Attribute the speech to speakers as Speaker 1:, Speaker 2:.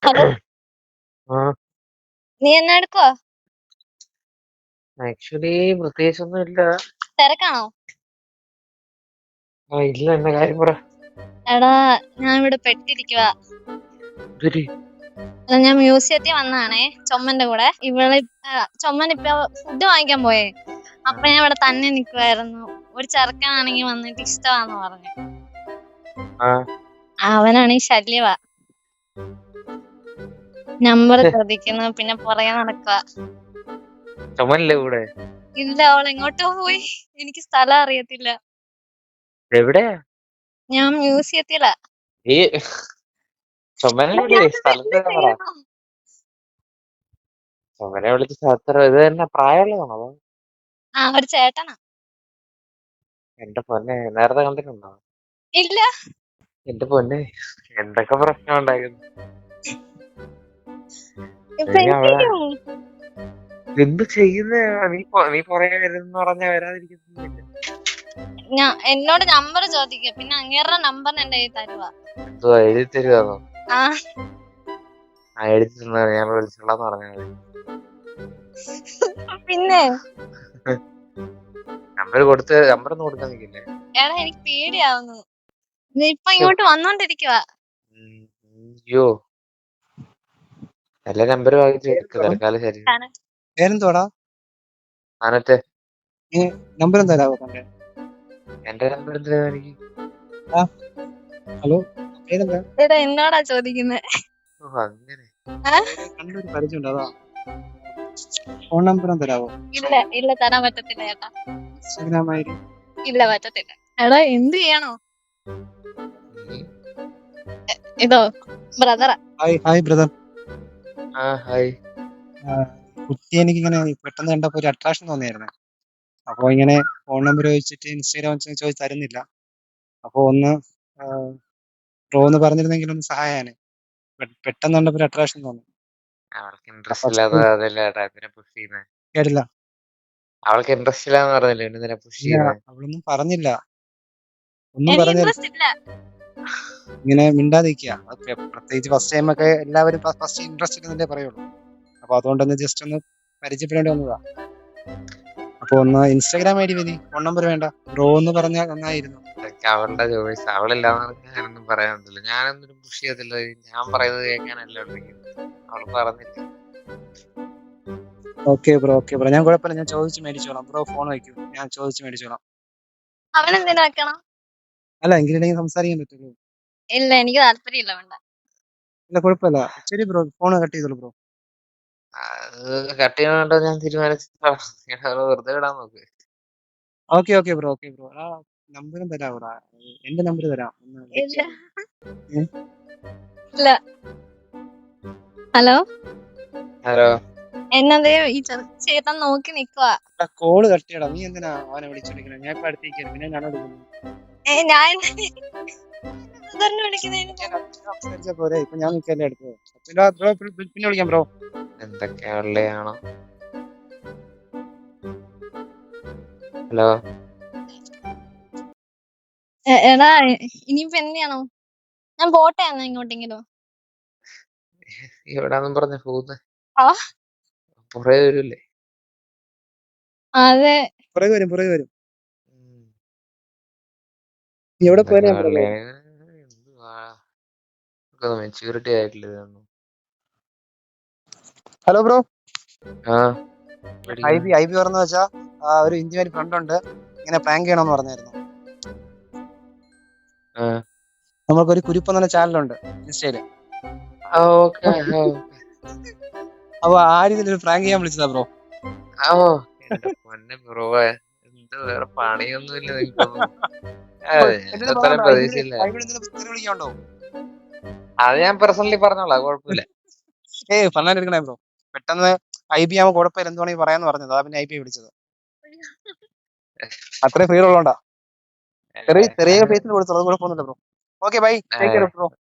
Speaker 1: Hello,
Speaker 2: ആ
Speaker 1: നീ എന്നാ എടുക്കുവാ?
Speaker 2: ആക്ച്വലി പ്രത്യേകിച്ചൊന്നും ഇല്ല.
Speaker 1: തിരക്കാണോ?
Speaker 2: ഇല്ല, എന്ന കാര്യം പറ.
Speaker 1: എടാ, ഞാൻ ഇവിടെ പെട്ടിരിക്കുവാ.
Speaker 2: ഇതൊരു
Speaker 1: ഞാൻ മ്യൂസിയത്തിൽ വന്നതാണേ, ചൊമ്മന്റെ കൂടെ. ചൊമ്മൻ ഇപ്പൊ ഫുഡ് വാങ്ങിക്കാൻ പോയേ. അപ്പൊ ഞാൻ ഇവിടെ തന്നെ നിക്കുവായിരുന്നു. ഒരു ചെറുക്കനാണെങ്കി വന്നിട്ട് ഇഷ്ടമാന്ന് പറഞ്ഞു.
Speaker 2: ആ
Speaker 1: അവനാണെങ്കി ശല്യവാ. നമ്പർ ചോദിക്കുന്നു, പിന്നെ പുറകെ നടക്കുക.
Speaker 2: ചുമല്ലേ കൂടെ?
Speaker 1: ഇല്ല, അവൾ എങ്ങോട്ടോ പോയി. എനിക്ക് സ്ഥലം അറിയത്തില്ല.
Speaker 2: എവിടെയാ?
Speaker 1: ഞാൻ മ്യൂസിയത്തിലാ.
Speaker 2: ഈ ചുമനെ വിളി, സ്ഥലത്ത് പറ. ചുമനെ വിളിച്ച് സ്ഥലത്ത് ഇത് തന്നെ പ്രായമുള്ളതാണോ അതോ?
Speaker 1: ആ, ഒരു ചേട്ടനാ.
Speaker 2: എന്റെ പൊന്നെ, നേരത്തെ കണ്ടിട്ടുണ്ടോ?
Speaker 1: ഇല്ല.
Speaker 2: എന്റെ പൊന്നെ, എന്തൊക്കെ പ്രശ്നം ഉണ്ടായിരുന്നു. എന്ത് ചെയ്യുന്ന നീ പുറകെ വരുന്ന പറഞ്ഞാ വരാതിരിക്കുന്നില്ല.
Speaker 1: എന്നോട് നമ്പർ ചോദിക്കുക, പിന്നെ അങ്ങേരുടെ നമ്പർ എന്റെ കയ്യിൽ തരുവാ.
Speaker 2: എന്തുവാ എഴുതി തരുവാന്നോ?
Speaker 1: ആ,
Speaker 2: എഴുതി തന്നാ ഞാൻ വിളിച്ചോളാന്ന് പറഞ്ഞാൽ
Speaker 1: പിന്നെ
Speaker 2: നമ്പർ നമ്പറൊന്നും കൊടുക്കാൻ നിൽക്കില്ലേ?
Speaker 1: എടാ, എനിക്ക് പേടിയാവുന്നു. ഇപ്പൊ ഇങ്ങോട്ട് വന്നോണ്ടിരിക്കുവാ.
Speaker 2: അയ്യോ, എല്ലാ നമ്പർ വാങ്ങിച്ചു തൽക്കാലം. ശരി,
Speaker 3: പേരെന്തോടാ?
Speaker 2: ആനത്തെ
Speaker 3: നമ്പർ എന്താ തന്റെ?
Speaker 2: എന്റെ നമ്പർ എന്തിനാ എനിക്ക്?
Speaker 3: ഹലോ, പേരെന്താ?
Speaker 1: എടാ, എന്നോടാ ചോദിക്കുന്നത്?
Speaker 2: അങ്ങനെ
Speaker 3: കണ്ടൊരു പരിചയമുണ്ട്, അതാ. ഫോൺ നമ്പർ തരാവോ?
Speaker 1: ഇല്ല, തരാൻ പറ്റത്തില്ല ചേട്ടാ.
Speaker 3: Instagram I D?
Speaker 1: ഇല്ല, പറ്റത്തില്ല. എടാ, എന്ത് ചെയ്യണോ? ഇതോ ബ്രദറാ.
Speaker 3: Hi brother.
Speaker 2: ഹായ്.
Speaker 3: കുട്ടി എനിക്കിങ്ങനെ പെട്ടെന്ന് കണ്ടപ്പോ ഒരു അട്രാക്ഷൻ തോന്നിയായിരുന്നു. അപ്പൊ ഇങ്ങനെ ഫോൺ നമ്പർ ചോദിച്ചിട്ട് ഇൻസ്റ്റാഗ്രാം ചോദിച്ച് തരുന്നില്ല. അപ്പൊ ഒന്ന് ബ്രോ എന്ന് പറഞ്ഞിരുന്നെങ്കിൽ ഒന്ന് സഹായാണ്. പെട്ടെന്ന് കണ്ടപ്പോ ഒരു അട്രാക്ഷൻ തോന്നി.
Speaker 2: അവൾക്ക് ഇൻട്രസ്റ്റ് ഇല്ലാതെ പിന്നെ പുഷ് ചെയ്യുന്നേ.
Speaker 3: കേട്ടില്ല.
Speaker 2: അവൾക്ക് ഇൻട്രസ്റ്റ് ഇല്ലാന്ന് പറഞ്ഞില്ലേ, പുഷ് ചെയ്യുന്നേ.
Speaker 3: അവളൊന്നും പറഞ്ഞില്ല, ഒന്നും പറഞ്ഞില്ല. ഇങ്ങനെ മിണ്ടാതിരിക്കുക. പ്രത്യേകിച്ച് ഫസ്റ്റ് ടൈം ഒക്കെ എല്ലാവരും ഫസ്റ്റ് ഇൻട്രസ്റ്റ് ഇല്ലെന്നല്ലേ പറയുള്ളൂ. അപ്പൊ അതുകൊണ്ടൊന്ന് ജസ്റ്റ് ഒന്ന് പരിചയപ്പെടേണ്ടി വന്നതാ. അപ്പൊ ഒന്ന് ഇൻസ്റ്റാഗ്രാം ഐ ഡി മതി, ഫോൺ നമ്പർ വേണ്ട. ബ്രോ എന്ന് പറഞ്ഞാൽ നന്നായിരുന്നു.
Speaker 2: അവളുടെ ചോയ്സ്. അവളില്ലാന്ന് ഞാനൊന്നും പറയാൻ പറ്റില്ല. ഞാനൊന്നും പുഷ് ചെയ്യത്തില്ല. ഞാൻ പറയുന്നത് കേൾക്കാനല്ല അവള് പറഞ്ഞില്ല.
Speaker 3: ഓക്കെ ബ്രോ, ഞാൻ കുഴപ്പമില്ല, ഞാൻ ചോദിച്ച് മേടിച്ചോളാം. ബ്രോ ഫോൺ വയ്ക്കൂ, ഞാൻ ചോദിച്ച് മേടിച്ചോളാം.
Speaker 1: അവനെന്തിനാ വെക്കണം?
Speaker 3: അല്ല, എങ്കിലും സംസാരിക്കാൻ പറ്റുള്ളൂ.
Speaker 1: ഇല്ല, എനിക്ക് താല്പര്യമില്ല, വേണ്ട.
Speaker 3: ഇല്ല, കുഴപ്പമില്ല. ശരി ബ്രോ, ഫോൺ കട്ട് ചെയ്തോളൂ ബ്രോ.
Speaker 2: കട്ട് ചെയ്യണോ ഞാൻ തീരുമാനിച്ചു. വെറുതെ വിടാൻ നോക്ക്.
Speaker 3: Okay bro. ആ നമ്പറും തരാം. എന്റെ നമ്പർ തരാം.
Speaker 1: ഇല്ല. Hello,
Speaker 2: hello.
Speaker 1: എന്നതേ ഈ ചേട്ടൻ നോക്കി നിക്കുവാ.
Speaker 3: കോള് കട്ട് ചെയ്യടാ. നീ എന്തിനാ അവനെ വിളിച്ചോണ്ടിരിക്കണേ? ഞാൻ ഇപ്പൊ അടുത്തേക്ക് പിന്നെ ഞാൻ വിളിക്കുന്നു. സംസാരിച്ചാ പോരെ? ഇപ്പൊ ഞാൻ നിൽക്കല്ലേ അടുത്ത്. പിന്നെ വിളിക്കാം ബ്രോ.
Speaker 2: എന്തൊക്കെയാണോ? ഹലോ.
Speaker 1: എടാ, ഇനിയിപ്പോ എന്തിയാണോ? ഞാൻ പോട്ടെ എന്നാ ഇങ്ങോട്ടെങ്കിലും.
Speaker 2: എവിടാന്നും പറഞ്ഞ പോകുന്നേ?
Speaker 1: ആ,
Speaker 2: പുറകെ വരൂല്ലേ?
Speaker 1: അതെ,
Speaker 3: പുറകെ വരും. എവിടെ പോയാ?
Speaker 2: മെച്യൂരിറ്റി ആയിട്ടില്ല.
Speaker 3: Hello bro.
Speaker 2: ഐ
Speaker 3: ബി പറഞ്ഞ വെച്ചാ ഒരു ഇന്ത്യൻ ഫ്രണ്ട് ഉണ്ട്, ഇങ്ങനെ പ്രാങ്ക് ചെയ്യണമെന്ന് പറഞ്ഞായിരുന്നു. നമുക്കൊരു കുരിപ്പ് എന്ന ചാനലുണ്ട് ഇൻസ്റ്റയില്. അപ്പൊ ആ രീതിയിൽ പ്രാങ്ക് ചെയ്യാൻ വിളിച്ചതാ ബ്രോ.
Speaker 2: വേറെ പണിയൊന്നുമില്ല നിങ്ങൾക്കൊന്നും. അത് ഞാൻ പേഴ്സണലി പറഞ്ഞോളാം, കുഴപ്പമില്ല.
Speaker 3: പറഞ്ഞെടുക്കണേ ബ്രോ. പെട്ടെന്ന് ഐ ബി ആവുമ്പോ കുഴപ്പമില്ല, എന്ത് വേണമെങ്കിൽ പറയാന്ന് പറഞ്ഞത്. അതാ പിന്നെ ഐ ബി വിളിച്ചത്. അത്രയും ഫ്രീ ഉള്ളോണ്ടാ. ചെറിയ ഫേസിൽ കൊടുത്തോളൂ, കുഴപ്പമൊന്നുമില്ല bro. Okay bye, take care bro.